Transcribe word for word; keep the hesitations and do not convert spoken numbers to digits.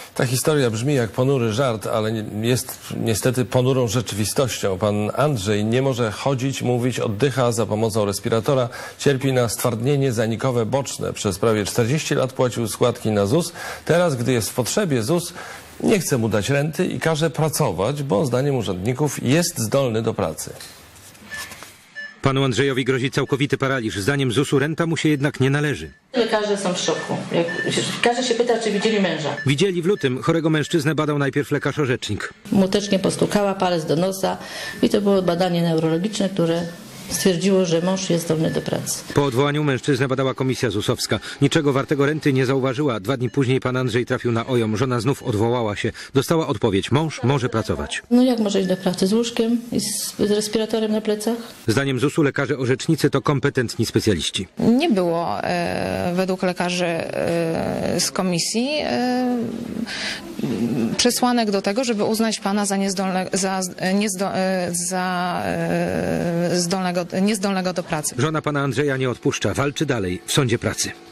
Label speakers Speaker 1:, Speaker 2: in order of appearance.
Speaker 1: Ta historia brzmi jak ponury żart, ale jest niestety ponurą rzeczywistością. Pan Andrzej nie może chodzić, mówić, oddycha za pomocą respiratora. Cierpi na stwardnienie zanikowe boczne. Przez prawie czterdzieści lat płacił składki na ZUS. Teraz, gdy jest w potrzebie, ZUS nie chce mu dać renty i każe pracować, bo zdaniem urzędników jest zdolny do pracy.
Speaker 2: Panu Andrzejowi grozi całkowity paraliż. Zdaniem zusu renta mu się jednak nie należy.
Speaker 3: Lekarze są w szoku. Jak, każdy się pyta, czy widzieli męża.
Speaker 2: Widzieli w lutym. Chorego mężczyznę badał najpierw lekarz-orzecznik.
Speaker 3: Mutecznie postukała, palec do nosa i to było badanie neurologiczne, które stwierdziło, że mąż jest zdolny do pracy.
Speaker 2: Po odwołaniu mężczyznę badała komisja zusowska. Niczego wartego renty nie zauważyła. Dwa dni później pan Andrzej trafił na O J O M. Żona znów odwołała się. Dostała odpowiedź. Mąż może pracować.
Speaker 3: No jak może iść do pracy? Z łóżkiem i z respiratorem na plecach?
Speaker 2: Zdaniem zusu lekarze orzecznicy to kompetentni specjaliści.
Speaker 4: Nie było e, według lekarzy e, z komisji e, przesłanek do tego, żeby uznać pana za, niezdolne, za, niezdo, e, za e, zdolnego, niezdolnego do pracy.
Speaker 2: Żona pana Andrzeja nie odpuszcza. Walczy dalej w sądzie pracy.